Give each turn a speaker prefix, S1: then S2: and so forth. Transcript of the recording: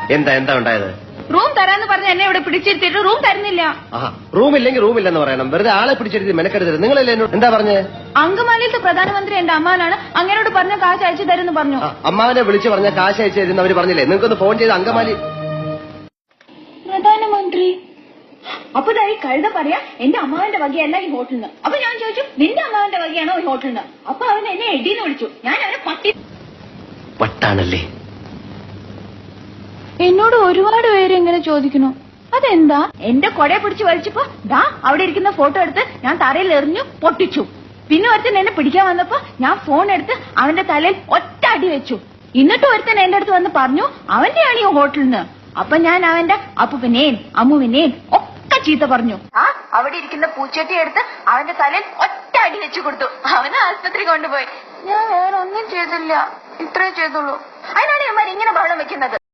S1: എന്താ എന്താ ഉണ്ടായത്?
S2: റൂം തരാന്ന് പറഞ്ഞ എന്നെ ഇവിടെ പിടിച്ചിരുത്തിയിട്ട് റൂം തരുന്നില്ല.
S1: റൂമില്ലെങ്കിൽ റൂമില്ലെന്ന് പറയണം. വെറുതെ ആളെ പിടിച്ചിരുത്തി മെനക്കെടുത്തത്. നിങ്ങളല്ലേ എന്നോട് എന്താ പറഞ്ഞേ?
S2: അങ്കമാലിയിലത്തെ പ്രധാനമന്ത്രി എന്റെ അമ്മാനാണ്, അങ്ങനോട് പറഞ്ഞ കാശ് അയച്ചു തരുമെന്ന് പറഞ്ഞു.
S1: അമ്മാവനെ വിളിച്ചു പറഞ്ഞ കാശ് അയച്ചു തരുന്ന അവര് പറഞ്ഞില്ലേ? നിങ്ങൾക്കൊന്ന് ഫോൺ ചെയ്ത് അങ്കമാലി
S2: പ്രധാനമന്ത്രി. അപ്പൊ ഈ കഴുത പറയാ എന്റെ അമ്മാവന്റെ വകയല്ല ഈ ഹോട്ടലിന്. അപ്പൊ ഞാൻ ചോദിച്ചു നിന്റെ അമ്മാവന്റെ വകയാണോ ഈ ഹോട്ടലിന്? അപ്പൊ അവൻ എന്നെ എടീന്ന് വിളിച്ചു. ഞാൻ അവനെ
S1: പട്ടാണല്ലേ?
S2: എന്നോട് ഒരുപാട് പേര് ഇങ്ങനെ ചോദിക്കുന്നു. അതെന്താ? എന്റെ കൊടയെ പിടിച്ച് വലിച്ചപ്പോ ദാ അവിടെ ഇരിക്കുന്ന ഫോട്ടോ എടുത്ത് ഞാൻ തറയിൽ എറിഞ്ഞു പൊട്ടിച്ചു. പിന്നെ ഒരുത്തൻ എന്നെ പിടിക്കാൻ വന്നപ്പോ ഞാൻ ഫോൺ എടുത്ത് അവന്റെ തലയിൽ ഒറ്റ അടി വെച്ചു. എന്നിട്ട് ഒരുത്തൻ എന്റെ അടുത്ത് വന്ന് പറഞ്ഞു അവന്റെയാണ് ഈ ഹോട്ടലിന്. അപ്പൊ ഞാൻ അവന്റെ അപ്പുവിനെയും അമ്മുവിനെയും ഒക്കെ ചീത്ത പറഞ്ഞു. അവിടെ ഇരിക്കുന്ന പൂച്ചട്ടി എടുത്ത് അവന്റെ തലയിൽ ഒറ്റ അടി വെച്ചു കൊടുത്തു. അവനെ ആശുപത്രി കൊണ്ടുപോയി. ഞാൻ വേറെ ഒന്നും ചെയ്തില്ല, ഇത്രേ ചെയ്തുള്ളൂ. അതിനാണ് ഇവന്മാർ ഇങ്ങനെ ബഹളം വെക്കുന്നത്.